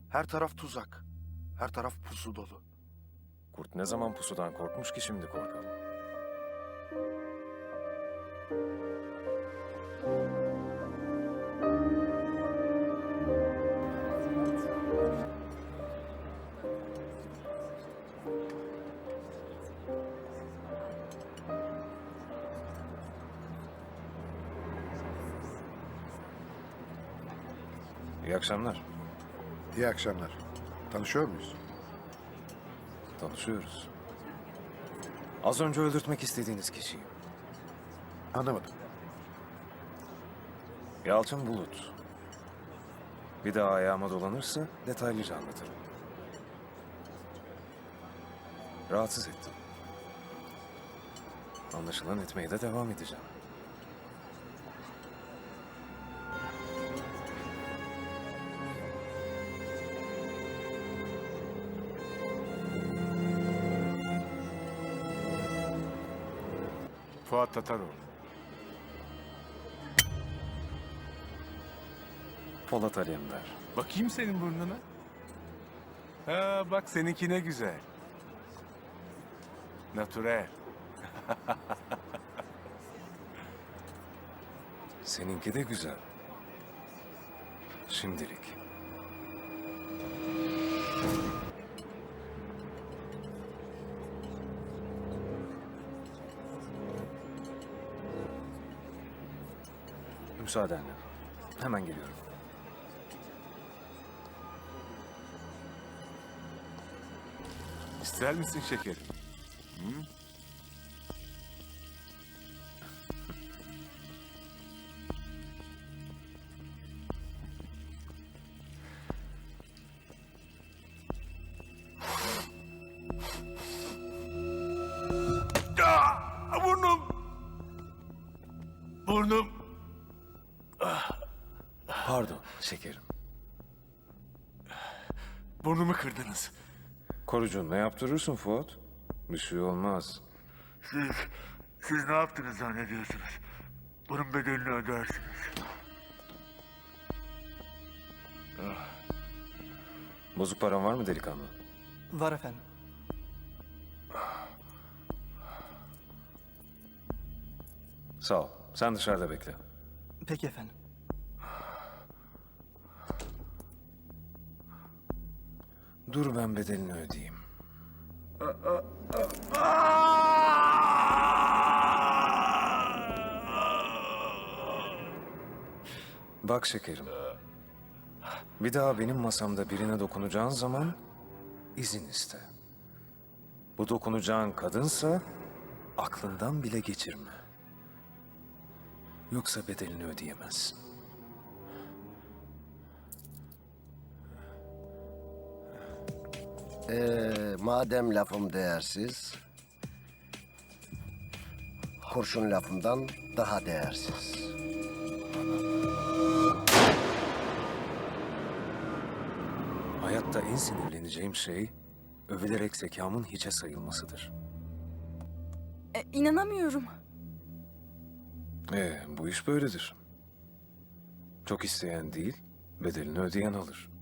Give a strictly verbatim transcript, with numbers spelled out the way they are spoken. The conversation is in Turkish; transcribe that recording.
Her taraf tuzak. Her taraf pusu dolu. Kurt ne zaman pusudan korkmuş ki şimdi korkalım? İyi akşamlar. İyi akşamlar. Tanışıyor muyuz? Tanışıyoruz. Az önce öldürtmek istediğiniz kişiyim. Anlamadım. Yalçın Bulut. Bir daha ayağıma dolanırsa detaylıca anlatırım. Rahatsız ettim. Anlaşılan etmeye de devam edeceğim. Fuat Tataroğlu. Polat Alemdar. Bakayım senin burnuna. Ha bak seninki ne güzel. Natürel. Seninki de güzel. Şimdilik. Müsaadenle. Hemen geliyorum. İster misin şekerim? Hı? Aa, burnum! Burnum! Pardon şekerim. Burnumu kırdınız. Korucunla yaptırırsın Fuat. Bir şey olmaz. Siz, siz ne yaptınız zannediyorsunuz? Bunun bedelini ödersiniz. Bozuk paran var mı delikanlı? Var efendim. Sağ ol. Sen dışarıda bekle. Peki efendim. Dur ben bedelini ödeyeyim. Bak şekerim. Bir daha benim masamda birine dokunacağın zaman izin iste. Bu dokunacağın kadınsa aklından bile geçirme. Yoksa bedelini ödeyemezsin. Ee, madem lafım değersiz, kurşun lafımdan daha değersiz. Hayatta en sinirleneceğim şey övülerek zekamın hiçe sayılmasıdır. E, inanamıyorum. Ee, bu iş böyledir. Çok isteyen değil, bedelini ödeyen alır.